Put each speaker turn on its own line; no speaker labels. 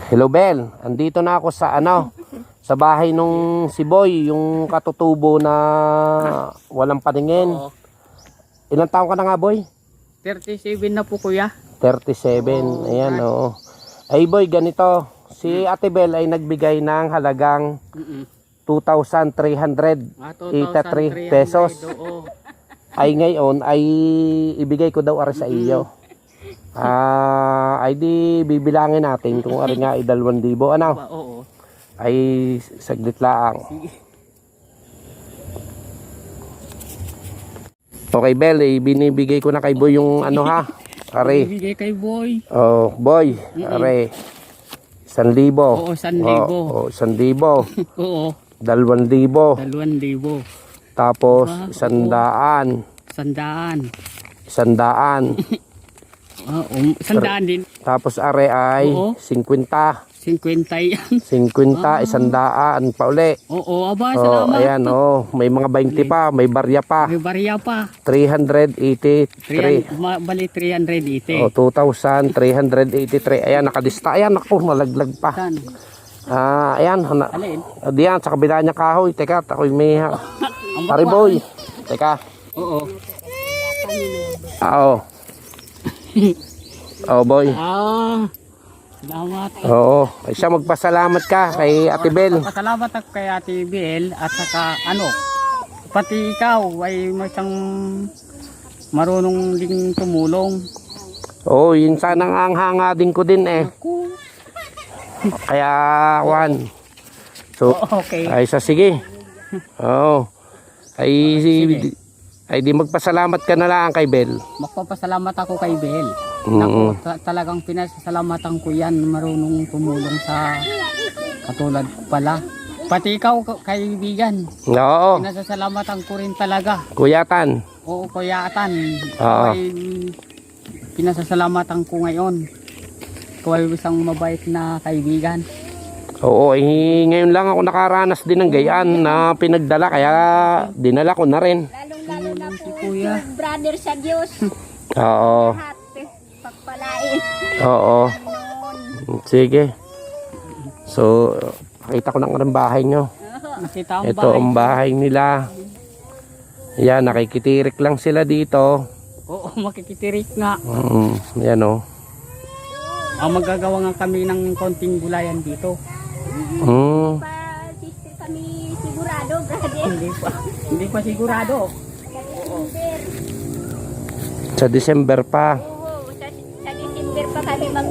Hello Bel, andito na ako sa sa bahay nung si Boy, yung katutubo na walang paningin.
Oo.
Ilang taon ka na nga Boy?
37 na po kuya.
37,
Oo,
ayan
God.
oo. Ay Boy, ganito, si Ate Bel ay nagbigay ng halagang 2,383
2,300
pesos.
Oo.
Ay ngayon ay ibigay ko daw ari sa iyo. Ay di bibilangin natin kung ari nga ay 2,000 ano.
Oo.
Ay saglit lang. Okay Bel, binibigay ko na kay Boy yung ha. Ari.
Ibigay kay Boy.
Oh, Boy, ari. 1,000.
Oo, 1,000.
Oh, 1,000.
Oo.
2,000.
2,000.
Tapos
Wow,
100.
100.
100.
Oo, 100 din.
Tapos are ay
Oo.
50.
50 yan.
50, 100 pa uli.
Oo, aba,
Oh,
salamat.
ayan may mga 20 pa, may barya pa.
May barya pa.
383.
Bali 380.
Oh, 2,383. Ayan, nakalista. Ayan, ako, malaglag pa.
Saan?
Ayan,
Alin?
diyan, sa kabila niya kahoy. Teka, ako'y may Pare Boy. Teka.
Oo.
Oo. Oh, Boy.
Salamat.
Oo. Ay siya, magpasalamat ka kay Ate Bel.
Pasalamat ako kay Ate Bel at saka pati ikaw ay isang marunong ding tumulong.
Oo, yun sana ang hanga din ko din eh. Kaya, Juan. So,
Okay.
ay sige. Oo. Ay di magpasalamat ka na lang kay Bel.
Magpapasalamat ako kay Bel.
Mm.
Naku, talagang pinasasalamatan ko yan, marunong tumulong sa katulad ko pala. Pati ikaw kaibigan,
Oo.
pinasasalamatan ko rin talaga.
Kuyatan.
Oo, kuyatan.
Oo.
Ay, pinasasalamatan ko ngayon. Ikaw ay isang mabait na kaibigan.
Oo, ngayon lang ako nakaranas din ng gayaan na pinagdala kaya dinala ko na rin.
Lalong-lalo na
Si
po
Kuya.
yung brother sa Diyos.
Oo.
Lahat pagpalain.
Oo.
Noon.
Sige. So, pakita ko ng bahay nyo.
Nakita ang
Ito
bahay.
ang bahay nila. Yan, nakikitirik lang sila dito.
Oo, makikitirik nga.
Yan o.
Magagawa nga kami ng konting gulayan dito.
Pa, sister kami sigurado, brother.
Hindi pa sigurado.
December.
Sa December pa.
Oo, sa December pa kami